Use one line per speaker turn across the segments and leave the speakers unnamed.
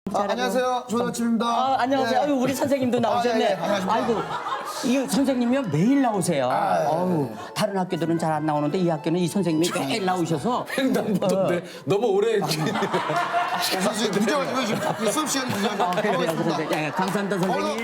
안녕하세요. 좋은 아침입니다.
안녕하세요. 아유, 우리 선생님도 나오셨네.
예, 안녕하십니까.
아이고, 이 선생님이요 매일 나오세요. 다른 학교들은 잘 안 나오는데 이 학교는 이 선생님이 매일 나오셔서
횡단보도인데 너무 오래
선생님 문제가 지금 수업 시간이 문제가
그래서 예, 감사합니다 선생님.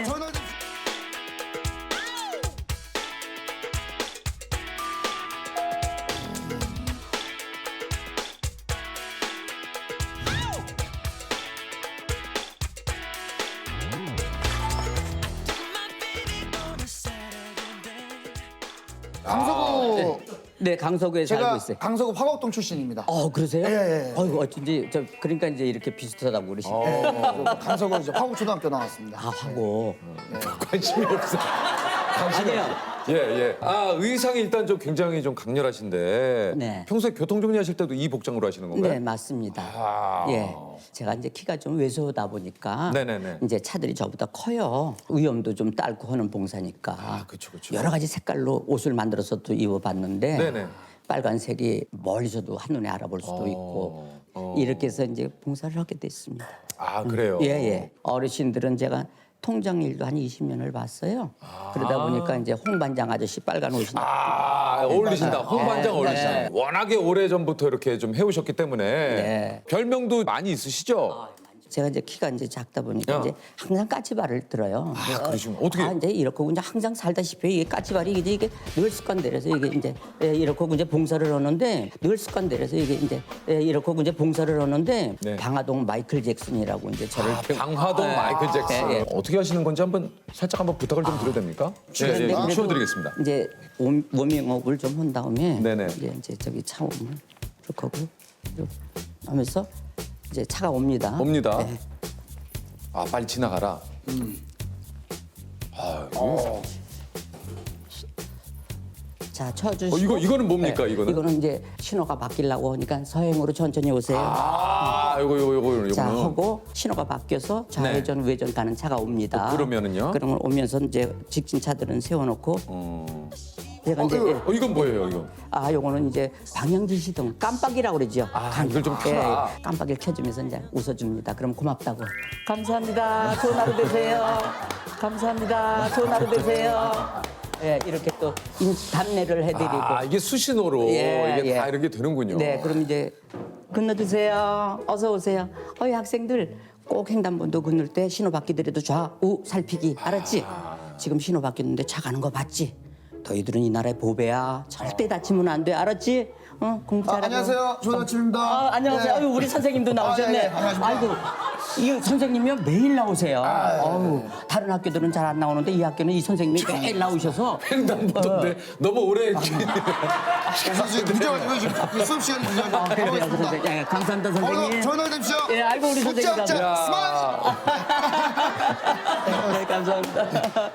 강서구
네, 강서구에 살고
제가
있어요.
강서구 화곡동 출신입니다.
그러세요?
예.
아이고, 어쩐지 그러니까 이제 이렇게 비슷하다고 그러시네.
강서구 이제 화곡초등학교 나왔습니다.
하고.
관심이 없어.
아니에요.
예. 아, 의상이 일단 좀 굉장히 좀 강렬하신데
네.
평소에 교통 정리하실 때도 이 복장으로 하시는 건가요?
네, 맞습니다.
아.
예. 제가 이제 키가 좀 왜소하다 보니까
네네네.
이제 차들이 저보다 커요. 위험도 좀 딸고 하는 봉사니까.
아, 그쵸.
여러 가지 색깔로 옷을 만들어서 또 입어봤는데
네네.
빨간색이 멀리서도 한눈에 알아볼 수도 있고 이렇게 해서 이제 봉사를 하게 됐습니다.
아, 그래요?
예. 어르신들은 제가 통장 일도 한 20년을 봤어요. 그러다 보니까 이제 홍반장 아저씨 빨간 옷이
어울리신다. 홍반장
네,
어울리신다.
네.
워낙에 오래전부터 이렇게 좀 해오셨기 때문에
네.
별명도 많이 있으시죠?
제가 이제 키가 이제 작다 보니까
야.
이제 항상 까치발을 들어요.
그러시구나. 어떻게?
이제 이렇게 이제 항상 살다시피 이게 까치발이 이게 늘 습관들여서 이게 이제 이렇게 이제 봉사를 하는데 늘 습관들여서 이게 이제 이렇게 이제 봉사를 하는데
네.
방화동 마이클 잭슨이라고 이제 저를
방화동 마이클 잭슨.
예.
어떻게 하시는 건지 살짝 한번 부탁을 좀 드려도 됩니까?
그런데 그래도
추워드리겠습니다.
이제 워밍업을 좀 한 다음에
네네.
이제 저기 차 오면 이렇게 하고 이렇게 하면서 이제 차가 옵니다.
옵니다.
네.
아, 빨리 지나가라.
자, 쳐주시고.
이거는 뭡니까, 이거는?
이거는 이제 신호가 바뀌려고 하니까 서행으로 천천히 오세요.
요거는.
자, 하고 신호가 바뀌어서 좌회전, 우회전 가는 차가 옵니다.
그러면은요?
그러면 오면서 이제 직진 차들은 세워놓고 제가 이제
이건 뭐예요, 이거?
요거는 이제 방향 지시등 깜빡이라고 그러죠.
이걸 좀 켜라.
깜빡이를 켜주면서 이제 웃어줍니다. 그럼 고맙다고. 감사합니다. 좋은 하루 되세요. 감사합니다. 좋은 하루 되세요. 예, 이렇게 또 답례를 해드리고.
이게 수신호로 이게 다
예.
이렇게 되는군요.
네, 그럼 이제 건너주세요. 어서 오세요. 이 학생들 꼭 횡단보도 건널 때 신호 바뀌더라도 좌우 살피기. 알았지? 지금 신호 바뀌었는데 차 가는 거 봤지? 너희들은 이 나라의 보배야. 절대 다치면 안 돼. 알았지? 공부 잘하고.
안녕하세요. 좋은 아침입니다.
안녕하세요.
네.
아유, 우리 선생님도 나오셨네.
예, 안녕하십니까.
아이고, 이 선생님이요 매일 나오세요. 다른 학교들은 잘 안 나오는데 이 학교는 이 선생님이 매일 나오셔서
횡단보도인데 너무 오래
선생님 문제가 지금 수업 시간이 문제가
예, 감사합니다 선생님.
좋은 하루 되십시오.
예, 아이고 우리 선생님.
짝짝 스마일.
네, 감사합니다.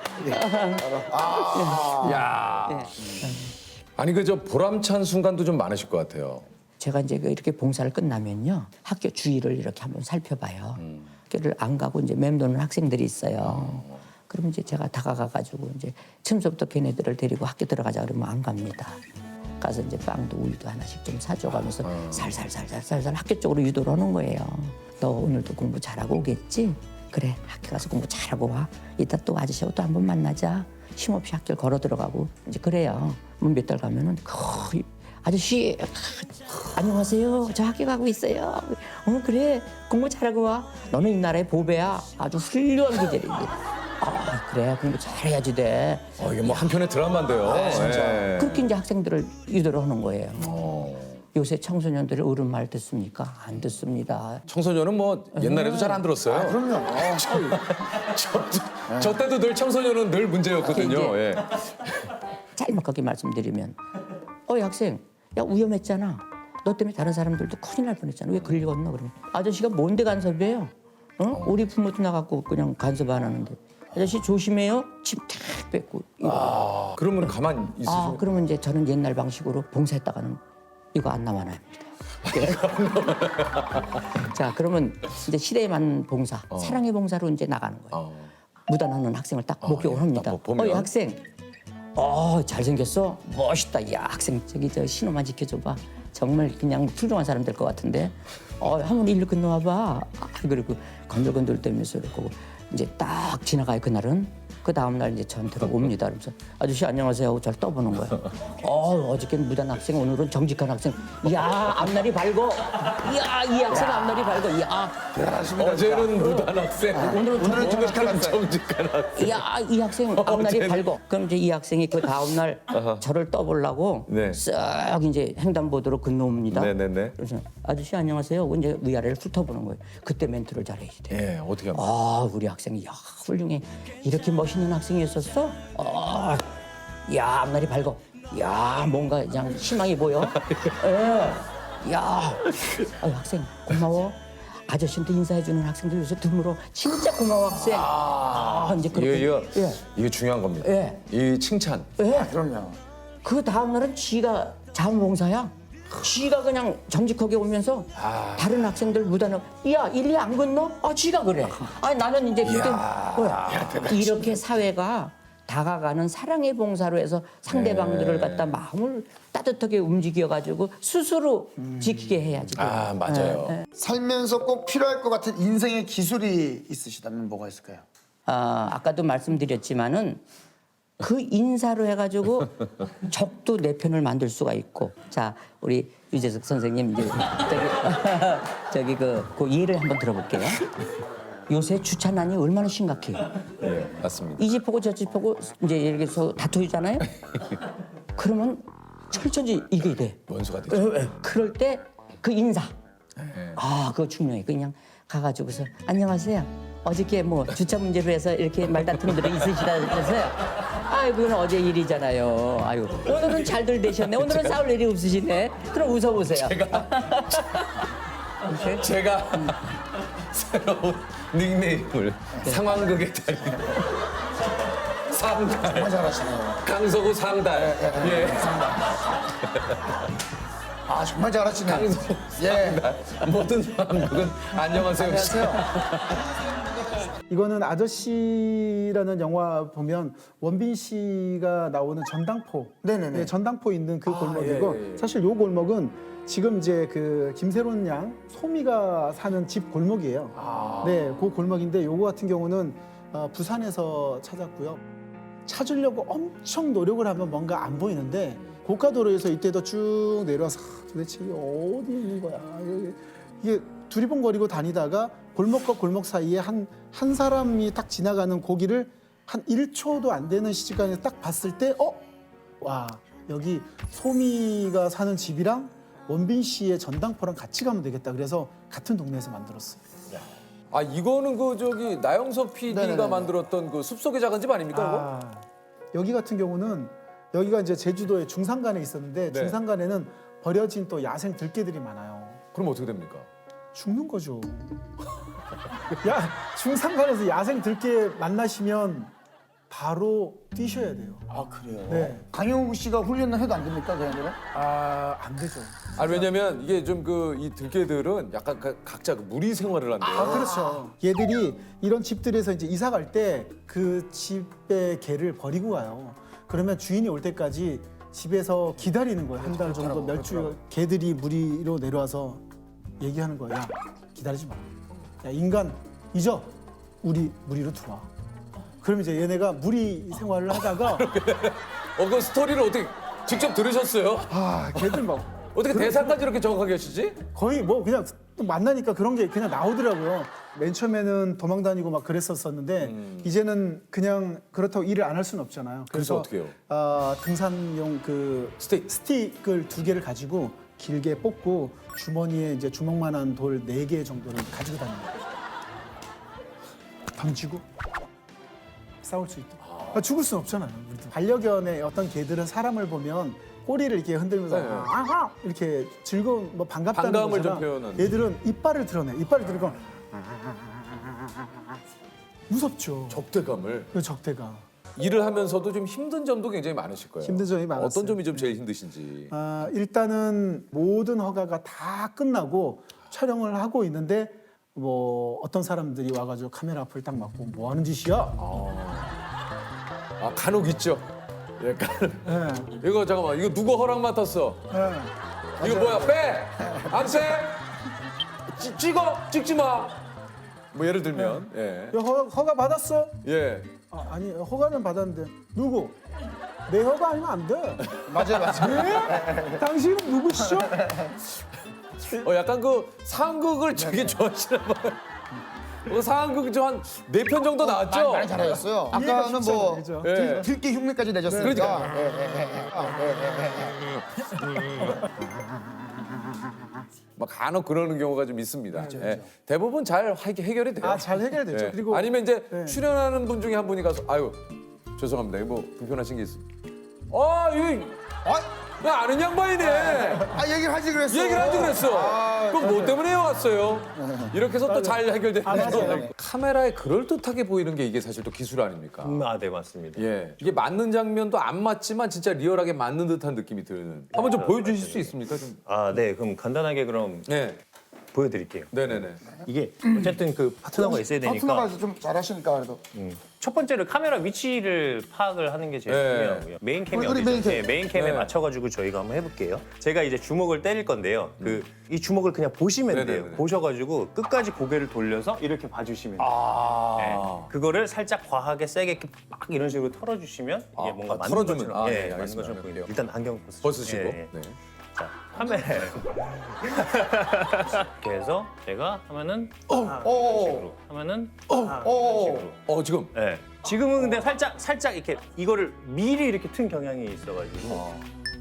야. 아니 그 저 보람찬 순간도 좀 많으실 것 같아요.
제가 이제 이렇게 봉사를 끝나면요 학교 주위를 이렇게 한번 살펴봐요. 학교를 안 가고 이제 맴도는 학생들이 있어요. 그러면 이제 제가 다가가가지고 이제 처음부터 걔네들을 데리고 학교 들어가자 그러면 안 갑니다. 가서 이제 빵도 우유도 하나씩 좀 사줘가면서 살살 학교 쪽으로 유도를 하는 거예요. 너 오늘도 공부 잘하고 오겠지? 그래 학교 가서 공부 잘하고 와. 이따 또 아저씨하고 또 한번 만나자. 쉼없이 학교를 걸어 들어가고 이제 그래요. 몇 달 가면은 거의 아저씨 안녕하세요. 저 학교 가고 있어요. 그래 공부 잘하고 와. 너는 이 나라의 보배야. 아주 훌륭한 기절이지. 그래 공부 잘해야지 돼.
이게 뭐 한편의 드라마인데요. 진짜.
그렇게 이제 학생들을 유도를 하는 거예요. 요새 청소년들이 어른 말 듣습니까? 안 듣습니다.
청소년은 뭐 옛날에도 잘 안 들었어요.
그럼요.
저 때도 늘 청소년은 늘 문제였거든요. 예.
짤막하게 말씀드리면 이 학생 야 위험했잖아. 너 때문에 다른 사람들도 큰일 날 뻔했잖아. 왜 그리 건너 그러면 아저씨가 뭔데 간섭이에요? 우리 부모도 나갖고 그냥 간섭 안 하는데 아저씨 조심해요. 침 탁 뱉고
그러면 가만 있으시면
그러면 이제 저는 옛날 방식으로 봉사했다가는 이거 안 남아납니다. 자 그러면 이제 시대에 맞는 봉사 사랑의 봉사로 이제 나가는 거예요. 무단하는 학생을 딱 목격을 합니다.
딱 보면.
이 학생 잘생겼어? 멋있다. 야 학생 저기 저 신호만 지켜줘봐. 정말 그냥 훌륭한 사람 될 것 같은데 한번 일로 건너와봐. 그리고 건들건들대면서 이러고 이제 딱 지나가요 그날은. 그 다음 날 이제 저한테로 옵니다. 그러면서 아저씨 안녕하세요 하고 저를 떠보는 거예요. 어저께는 무단 학생, 오늘은 정직한 학생. 이야 앞날이 밝어. 이야 이 학생 앞날이 밝어. 이야
대단하십니다.
어제는 무단 학생,
오늘은
정직한 학생.
정직한 학생.
이야 이 학생 앞날이 밝어. 그럼 이제 이 학생이 그 다음 날 저를 떠보려고
네.
쓱 이제 횡단보도로 건너옵니다.
네네네.
그래서 아저씨 안녕하세요 하고 이제 위아래를 훑어보는 거예요. 그때 멘트를 잘해야지 돼.
예, 어떻게 합니까?
아 우리 학생이 야 훌륭해. 이렇게 멋있는 학생이었었어? 야 앞날이 밝어. 야 뭔가 그냥 희망이 보여. 예. 야 학생 고마워. 아저씨한테 인사해주는 학생들 요새 드물어. 진짜 고마워 학생. 이제 그렇게.
이게 중요한 겁니다.
예.
이 칭찬.
예.
그럼요.
그 다음 날은 지가 자원봉사야. 지가 그냥 정직하게 오면서 다른 학생들 무단을 야 일리 안 건너? 지가 그래. 아니 나는 이제 그때 뭐야 이렇게 사회가 다가가는 사랑의 봉사로 해서 상대방들을 갖다 마음을 따뜻하게 움직여가지고 스스로 지키게 해야지.
아 맞아요.
살면서 꼭 필요할 것 같은 인생의 기술이 있으시다면 뭐가 있을까요?
아까도 말씀드렸지만은 그 인사로 해가지고 적도 내 편을 만들 수가 있고. 자 우리 유재석 선생님 이제 저기 그 예를 한번 들어볼게요. 요새 주차난이 얼마나 심각해요.
예, 맞습니다.
이 집 보고 저 집 보고 이제 예를 들어서 다투잖아요. 그러면 철저히 이게 돼.
원수가 되죠.
그럴 때 그 인사.
예.
그거 중요해. 그냥 가가지고서 안녕하세요. 어저께 뭐 주차 문제로 해서 이렇게 말다툼 들이 있으시다면서요. 그건 어제 일이잖아요. 아유 오늘은 잘들 되셨네. 오늘은 싸울 일이 없으시네. 그럼 웃어보세요.
제가 새로운 닉네임을 상황극의 달인 상달
정말 잘하시네요.
강서구 상달 예.
정말 잘하시네요.
강서구
예.
모든 상황극은 안녕하세요.
안녕하세요.
이거는 아저씨라는 영화 보면 원빈 씨가 나오는 전당포,
네네네.
네, 전당포 있는 그 골목이고
예.
사실 요 골목은 지금 이제 그 김세론 양 소미가 사는 집 골목이에요. 네, 그 골목인데 요거 같은 경우는 부산에서 찾았고요. 찾으려고 엄청 노력을 하면 뭔가 안 보이는데 고가도로에서 이때도 쭉 내려와서 도대체 이게 어디 있는 거야? 이게 두리번거리고 다니다가 골목과 골목 사이에 한 사람이 딱 지나가는 고기를 한 1초도 안 되는 시간에 딱 봤을 때 와 여기 소미가 사는 집이랑 원빈 씨의 전당포랑 같이 가면 되겠다. 그래서 같은 동네에서 만들었어요.
이거는 그 저기 나영석 PD가
네네네.
만들었던 그 숲속의 작은 집 아닙니까?
여기 같은 경우는 여기가 이제 제주도의 중산간에 있었는데
네.
중산간에는 버려진 또 야생 들개들이 많아요.
그럼 어떻게 됩니까?
죽는 거죠. 중산간에서 야생 들개 만나시면 바로 뛰셔야 돼요.
그래요?
네.
강영욱 씨가 훈련을 해도 안 됩니까, 걔네들은?
안 되죠.
왜냐면 이게 좀 그 이 들개들은 약간 각자 그 무리 생활을 한대요.
그렇죠. 얘들이 이런 집들에서 이제 이사 갈 때 그 집의 개를 버리고 가요. 그러면 주인이 올 때까지 집에서 기다리는 거예요. 한 달 정도, 몇 주. 개들이 무리로 내려와서 얘기하는 거야. 야, 기다리지 마. 야, 인간 잊어. 우리 무리로 들어와. 그럼 이제 얘네가 무리 생활을 하다가
그 스토리를 어떻게 직접 들으셨어요?
걔들 막
어떻게 대사까지 이렇게 정확하게 하시지?
거의 뭐 그냥 또 만나니까 그런 게 그냥 나오더라고요. 맨 처음에는 도망 다니고 막 그랬었었는데 이제는 그냥 그렇다고 일을 안 할 수는 없잖아요.
그래서 어떻게 해요?
등산용 그
스틱.
스틱을 2개를 가지고 길게 뽑고 주머니에 이제 주먹만한 돌 4개 정도를 가지고 다닙니다. 던지고 싸울 수 있도록. 죽을 수는 없잖아요. 우리도. 반려견의 어떤 개들은 사람을 보면 꼬리를 이렇게 흔들면서
네.
아하 이렇게 즐거운 뭐 반갑다는
반가움을
거잖아.
좀 표현하는.
얘들은 이빨을 드러내. 이빨을 드러내고 무섭죠.
적대감을.
그 적대가.
일을 하면서도 좀 힘든 점도 굉장히 많으실 거예요.
힘든 점이 많았어요.
어떤 점이 좀 제일 힘드신지.
일단은 모든 허가가 다 끝나고 촬영을 하고 있는데 뭐 어떤 사람들이 와가지고 카메라 앞을 딱 막고 뭐 하는 짓이야?
간혹 있죠. 예,
네.
이거 잠깐만, 이거 누구 허락 맡았어?
네.
이거 뭐야? 빼! 안 빼! 찍어! 찍지 마! 뭐 예를 들면 예.
야, 허가 받았어?
예.
아니 허가는 받았는데 누구? 내 허가 아니면 안 돼.
맞아요.
네? 당신은 누구시죠?
약간 그 상극을 되게 좋아하시나 봐요. 상극 좀 한 4편 정도 나왔죠?
많이 잘하셨어요. 아까는
쉽지
뭐
않아요, 그죠?
예.
들기 흉내까지 내셨으니까.
막 간혹 그러는 경우가 좀 있습니다. 예. 대부분 잘 해결이 돼요.
잘 해결되죠.
예.
그리고
아니면 이제
네.
출연하는 분 중에 한 분이 가서 아유 죄송합니다. 이거 뭐 불편하신 게 있어요. 이거 나 아는 양반이네.
얘기를 하지 그랬어.
얘기를 하지 그랬어. 그럼 뭐 때문에 왔어요? 이렇게 해서 또 잘 해결되는
맞아요.
거죠. 카메라에 그럴듯하게 보이는 게 이게 사실 또 기술 아닙니까?
네, 맞습니다.
예. 이게 맞는 장면도 안 맞지만 진짜 리얼하게 맞는 듯한 느낌이 드는. 한번 좀 보여주실 수 있습니까? 좀.
네, 그럼 간단하게 그럼
네.
보여드릴게요.
네네네.
이게 어쨌든 그 파트너가 있어야 되니까
파트너가 좀 잘하시니까 그래도.
첫 번째로 카메라 위치를 파악을 하는 게 제일
네.
중요하고요. 메인 캠이
우리
어디죠?
메인 캠.
네, 메인 캠에
네.
맞춰가지고 저희가 한번 해볼게요. 제가 이제 주먹을 때릴 건데요. 이 주먹을 그냥 보시면
네네네.
돼요. 보셔가지고 끝까지 고개를 돌려서 이렇게 봐주시면 돼요. 네. 그거를 살짝 과하게 세게 이렇게 막 이런 식으로 털어주시면 이게 뭔가 맞는
털어주면.
것처럼,
네,
맞는
알겠습니다.
것처럼 보이네요. 일단 안경
벗으시고.
예, 예.
네.
자, 카메라에 이렇게 해서 제가 하면은 이런 식으로 하면은 이런 식으로.
지금.
네. 지금은 근데 살짝 이렇게 이거를 미리 이렇게 튼 경향이 있어가지고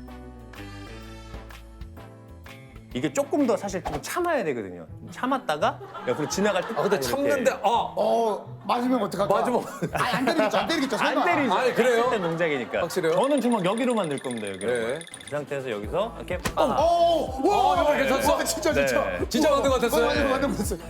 이게 조금 더 사실 좀 참아야 되거든요. 참았다가 옆으로 지나갈 때
근데 참는데
맞으면 어떡할까?
맞으면
안 때리겠죠. 설마.
안 때리죠.
아니, 그래요?
했을 때 동작이니까.
확실해요?
저는 주먹 여기로 만들 겁니다. 여기로.
네.
이 상태에서 여기서 이렇게
이거 괜찮았어?
진짜.
네.
진짜 만든 것 같았어요?
맞는 것 같았어요.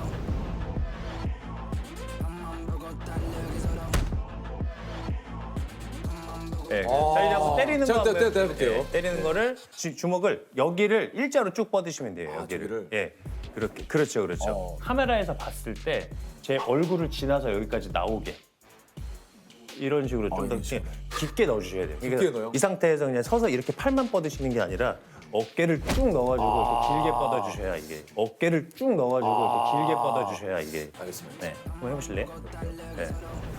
네, 살려고 때리는
자,
거
때려볼게요.
때리는 거를 주먹을 여기를 일자로 쭉 뻗으시면 돼요. 여기를.
저기를?
예. 그렇게. 그렇죠. 카메라에서 봤을 때 제 얼굴을 지나서 여기까지 나오게 이런 식으로 좀 더 깊게 넣어주셔야 돼요.
깊게 넣어요?
이 상태에서 그냥 서서 이렇게 팔만 뻗으시는 게 아니라 어깨를 쭉 넣어가지고 이렇게 길게 뻗어주셔야 이게 어깨를 쭉 넣어가지고 이렇게 길게 뻗어주셔야 이게.
알겠습니다.
네, 한번 해보실래요? 네.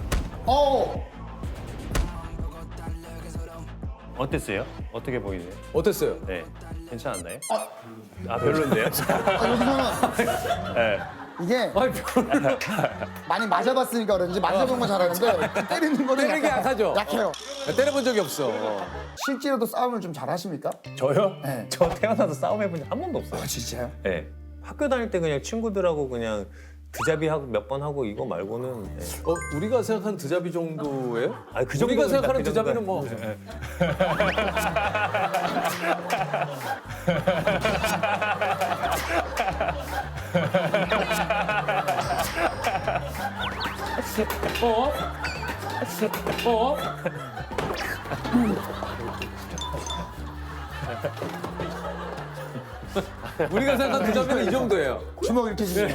어땠어요? 어떻게 보이세요?
어땠어요?
네, 괜찮았나요? 별론데요?
여기서는
네.
이게
아니, 별로.
많이 맞아봤으니까 그런지 맞아본 건 잘하는데 때리는 거는
때리는 게 약하죠?
약해요.
때려본 적이 없어.
실제로도 싸움을 좀 잘하십니까?
저요?
네.
저 태어나서 싸움 해본 적 한 번도 없어요.
진짜요?
네. 학교 다닐 때 그냥 친구들하고 그냥 드자비 하고 몇 번 하고 이거 말고는 네.
우리가 생각하는 드자비 정도예요?
아니, 그
우리가
정도는
생각하는
그
드자비는
정도는-
뭐. 우리가 생각하는 드자비는 이 정도예요.
주먹 이렇게 주시면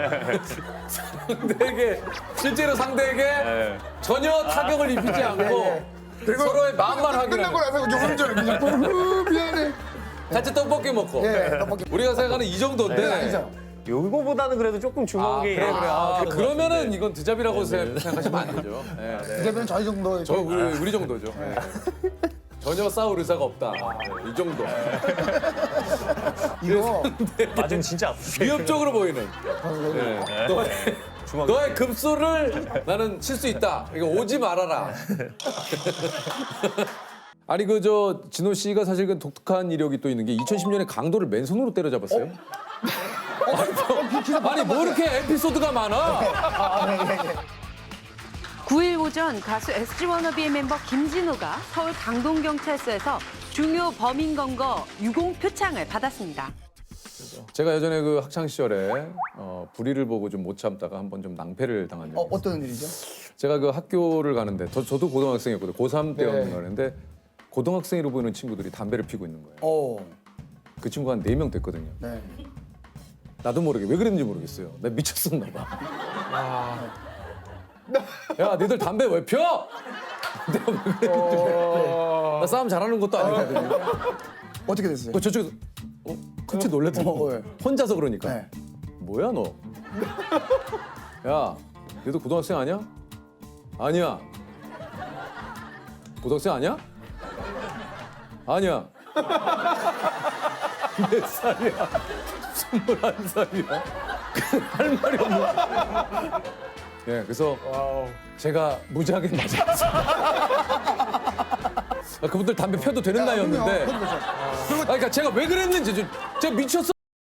상대에게 실제로 상대에게 전혀 타격을 입히지 않고 서로의 마음만
끝나고
확인하는.
나서 요런저런 그냥 미안해.
같이 떡볶이 먹고.
예, 떡볶이.
우리가 생각하는 이 정도인데.
아니죠.
요거보다는 그래도 조금 주먹이
그래. 그러면은
같은데.
이건 드자비라고 생각하시면 안 되죠. 네.
이제는 저희 정도.
저 우리 정도죠. 네. 전혀 싸울 의사가 없다. 네, 이 정도.
이거
맞으면 진짜 아프세요.
위협적으로 보이는. 네. 너의 급소를 나는 칠 수 있다. 이거 오지 말아라. 아니 그 저 진호 씨가 사실 그 독특한 이력이 또 있는 게 2010년에 강도를 맨손으로 때려잡았어요. 아니 뭐 이렇게 에피소드가 많아?
9일 오전 가수 SG 워너비의 멤버 김진호가 서울 강동경찰서에서 중요 범인 검거 유공 표창을 받았습니다.
제가 예전에 그 학창 시절에 불의를 보고 좀 못 참다가 한번 좀 낭패를 당한 적이 있어요.
어떤 일이죠?
제가 그 학교를 가는데 저도 고등학생이었거든요. 고3 때였는데 고등학생으로 보이는 친구들이 담배를 피고 있는 거예요. 그 친구가 한 4명 됐거든요.
네.
나도 모르게 왜 그랬는지 모르겠어요. 내가 미쳤었나 봐. 야, 니들 담배 왜 펴? 내가 왜 그랬는지 나 싸움 잘하는 것도 아니거든요.
어떻게 됐어요?
저쪽에서 깜짝 놀랐더라고.
네.
혼자서 그러니까.
네.
뭐야 너? 야, 얘도 고등학생 아니야? 아니야. 고등학생 아니야? 아니야. 몇 살이야? 21살이야. 할 말이 없는. 예, 그래서 제가 무지하게 맞았어요. 그분들 담배 펴도 되는 나이였는데.
그럼요.
그러니까 제가 왜 그랬는지 제가 미쳤어.